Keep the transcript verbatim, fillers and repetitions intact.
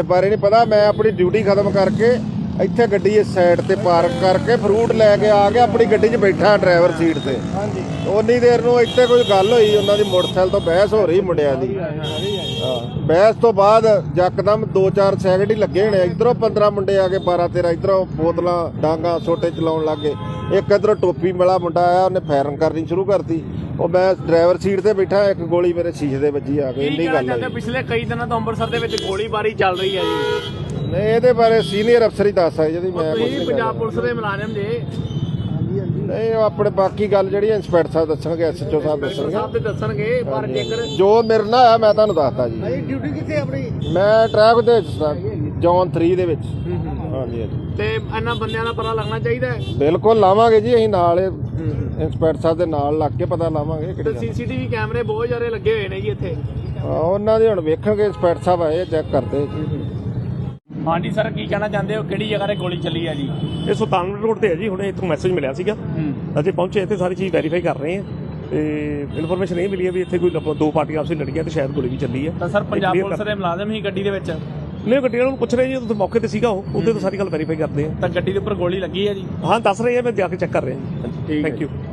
इस बारे नहीं पता। मैं अपनी ड्यूटी खत्म करके ਇੱਥੇ ਗੱਡੀ ਇਸ ਸਾਈਡ ਤੇ ਪਾਰਕ ਕਰਕੇ ਫਰੂਟ ਲੈ ਕੇ ਆ ਕੇ ਆਪਣੀ ਗੱਡੀ 'ਚ ਬੈਠਾ ਡਰਾਈਵਰ ਸੀਟ ਤੇ। ਹਾਂਜੀ ਉਨੀ ਦੇਰ ਨੂੰ ਇੱਥੇ ਕੋਈ ਗੱਲ ਹੋਈ, ਉਹਨਾਂ ਦੀ ਮੋਟਰਸਾਈਕਲ ਤੋਂ ਬਹਿਸ ਹੋ ਰਹੀ ਮੁੰਡਿਆਂ ਦੀ। ਹਾਂ, ਬਹਿਸ ਤੋਂ ਬਾਅਦ ਯਕਦਮ ਦੋ ਚਾਰ ਸੈਕਿੰਡ ਹੀ ਲੱਗੇ ਹੋਣੇ, ਇੱਧਰੋਂ ਪੰਦਰਾਂ ਮੁੰਡੇ ਆ ਕੇ ਬਾਰਾਂ ਤੇਰਾਂ ਇੱਧਰੋਂ ਬੋਤਲਾਂ ਡਾਂਗਾ ਛੋਟੇ ਚਲਾਉਣ ਲੱਗ ਗਏ। ਇੱਕ ਇੱਧਰੋਂ ਟੋਪੀ ਵਾਲਾ ਮੁੰਡਾ ਆਇਆ, ਉਹਨੇ ਫਾਇਰਿੰਗ ਕਰਨੀ ਸ਼ੁਰੂ ਕਰਤੀ। ਉਹ ਮੈਂ ਡਰਾਈਵਰ ਸੀਟ ਤੇ ਬੈਠਾ, ਇੱਕ ਗੋਲੀ ਮੇਰੇ ਸ਼ੀਸ਼ੇ ਦੇ ਵੱਜੀ ਆ ਕੇ। ਇੰਨੀ ਗੱਲ ਹੈ। ਪਿਛਲੇ ਕਈ ਦਿਨਾਂ ਤੋਂ ਅੰਮ੍ਰਿਤਸਰ ਦੇ ਵਿੱਚ ਗੋਲੀਬਾਰੀ ਚੱਲ ਰਹੀ ਹੈ ਜੀ। ਨਹੀਂ, ਇਹਦੇ ਬਾਰੇ ਸੀਨੀਅਰ ਅਫਸਰ ਹੀ ਦੱਸ ਸਕਦੇ ਜੀ। ਮੈਂ ਪੰਜਾਬ ਪੁਲਿਸ ਦੇ ਮੁਲਾਜ਼ਮ ਜੇ ਨਹੀਂ, ਉਹ ਆਪਣੇ ਬਾਕੀ ਗੱਲ ਜਿਹੜੀ ਇੰਸਪੈਕਟਰ ਸਾਹਿਬ ਦੱਸਣਗੇ, ਐਸ ਐਚ ਓ ਸਾਹਿਬ ਦੱਸਣਗੇ ਦੱਸਣਗੇ ਪਰ ਜੇਕਰ ਜੋ ਮੇਰੇ ਨਾਲ ਆ ਮੈਂ ਤੁਹਾਨੂੰ ਦੱਸਦਾ ਜੀ। ਡਿਊਟੀ ਕਿੱਥੇ ਆਪਣੀ? ਮੈਂ ਟਰੈਫਿਕ ਦੇ ਵਿੱਚ ਜ਼ੋਨ ਥ੍ਰੀ ਦੇ ਵਿੱਚ। ਹਾਂਜੀ ਹਾਂਜੀ। ਤੇ ਇਹਨਾਂ ਬੰਦਿਆਂ ਦਾ ਪਤਾ ਲੱਗਣਾ ਚਾਹੀਦਾ ਹੈ। ਬਿਲਕੁਲ ਲਾਵਾਂਗੇ ਜੀ, ਅਸੀਂ ਨਾਲ ਇੰਸਪੈਕਟਰ ਸਾਹਿਬ ਦੇ ਨਾਲ ਲੱਗ ਕੇ ਪਤਾ ਲਾਵਾਂਗੇ। ਤੇ ਸੀਸੀਟੀਵੀ ਕੈਮਰੇ ਬਹੁਤ ਜ਼ਿਆਦਾ ਲੱਗੇ ਹੋਏ ਨੇ ਜੀ ਇੱਥੇ। ਉਹਨਾਂ ਦੇ ਹੁਣ ਵੇਖਣਗੇ, ਇੰਸਪੈਕਟਰ ਸਾਹਿਬ ਆਏ ਚੈੱਕ ਕਰਦੇ। ਹਾਂਜੀ ਸਰ, ਕੀ ਕਹਿਣਾ ਚਾਹੁੰਦੇ ਹੋ? ਕਿਹੜੀ ਜਗ੍ਹਾ ਤੇ ਗੋਲੀ ਚੱਲੀ ਹੈ ਜੀ? ਇਹ ਸੁਲਤਾਨਪੁਰ ਰੋਡ ਤੇ ਹੈ ਜੀ। ਹੁਣੇ ਇੱਥੋਂ ਮੈਸੇਜ ਮਿਲਿਆ ਸੀਗਾ, ਅਸੀਂ ਪਹੁੰਚੇ ਇੱਥੇ, ਸਾਰੀ ਚੀਜ਼ ਵੈਰੀਫਾਈ ਕਰ ਰਹੇ ਹਾਂ ਤੇ ਇਨਫੋਰਮੇਸ਼ਨ ਇਹ ਮਿਲੀ ਹੈ ਵੀ ਇੱਥੇ ਕੋਈ ਦੋ ਪਾਰਟੀਆਂ ਆਪਸ ਵਿੱਚ ਲੜੀਆਂ ਤੇ ਸ਼ਾਇਦ ਗੋਲੀ ਵੀ ਚੱਲੀ ਹੈ। ਤਾਂ ਸਰ ਪੰਜਾਬ ਪੁਲਿਸ ਦੇ ਮੁਲਾਜ਼ਮ ਹੀ ਗੱਡੀ ਦੇ ਵਿੱਚ? ਨਹੀਂ, ਗੱਡੀ ਵਾਲੇ ਨੂੰ ਪੁੱਛ ਰਹੇ ਜੀ, ਉੱਥੇ ਮੌਕੇ ਤੇ ਸੀਗਾ ਉਹ, ਉਹਦੇ ਤੋਂ ਸਾਰੀ ਗੱਲ ਵੈਰੀਫਾਈ ਕਰਦੇ ਆ। ਤਾਂ ਗੱਡੀ ਦੇ ਉੱਪਰ ਗੋਲੀ ਲੱਗੀ ਹੈ ਜੀ? ਹਾਂ, ਦੱਸ ਰਹੇ ਆ, ਮੈਂ ਜਾ ਕੇ ਚੈੱਕ ਕਰ ਰਿਹਾ ਜੀ। Thank you.